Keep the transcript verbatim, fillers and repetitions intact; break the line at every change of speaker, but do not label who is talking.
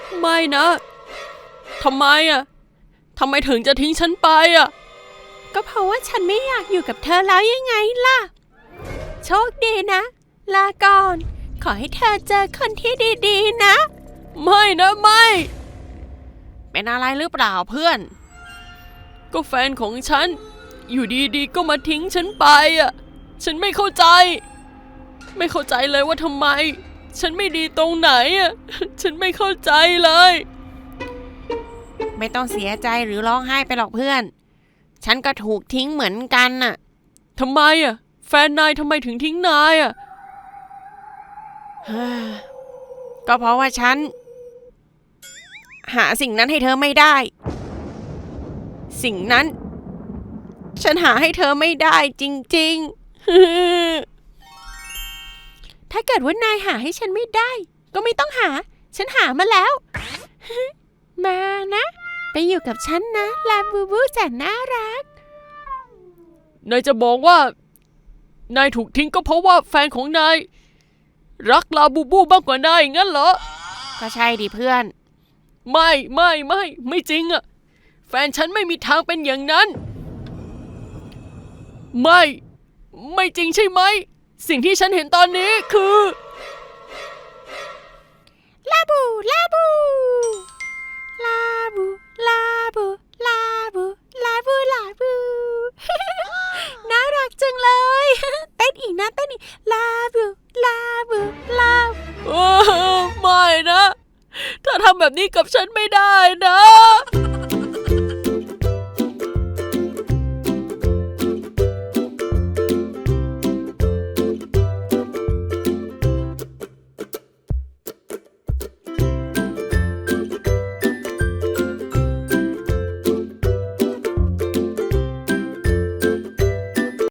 ไม่นะทำไมอ่ะทำไมถึงจะทิ้งฉันไปอ่ะก็เพราะว่าฉันไม่อยากอยู่กับเธอแล้วยังไงล่ะโชคดีนะลาก่อนขอให้เธอเจอคนที่ดีๆนะไม่นะไม่เป็นอะไรหรือเปล่าเพื่อนก็แฟนของฉันอยู่ดีๆก็มาทิ้งฉันไปอ่ะฉันไม่เข้าใจไม่เข้าใจเลยว่าทำไมฉันไม่ดีตรงไหนอ่ะฉันไม่เข้าใจเลยไม่ต้องเสียใจหรือร้องไห้ไปหรอกเพื่อนฉันก็ถูกทิ้งเหมือนกันน่ะทำไมอ่ะแฟนนายทำไมถึงทิ้งนายอ่ะก็เพราะว่าฉันหาสิ่งนั้นให้เธอไม่ได้สิ่งนั้นฉันหาให้เธอไม่ได้จริงๆถ้าเกิดว่านายหาให้ฉันไม่ได้ก็ไม่ต้องหาฉันหามาแล้วมานะไปอยู่กับฉันนะลาบูบูแสนน่ารักนายจะบอกว่านายถูกทิ้งก็เพราะว่าแฟนของนายรักลาบูบูมากกว่านายงั้นเหรอก็ใช่ดิเพื่อนไม่ไม่ไม่ไม่จริงอะแฟนฉันไม่มีทางเป็นอย่างนั้นไม่ไม่จริงใช่ไหมสิ่งที่ฉันเห็นตอนนี้คือลาบูลาบูลาบูลาบูลาบูลาบูลาบู น่ารักจังเลยเต้นอีกนะเต้นอีกลาบูลาบูลาบูไม่นะถ้าทำแบบนี้กับฉันไม่ได้นะ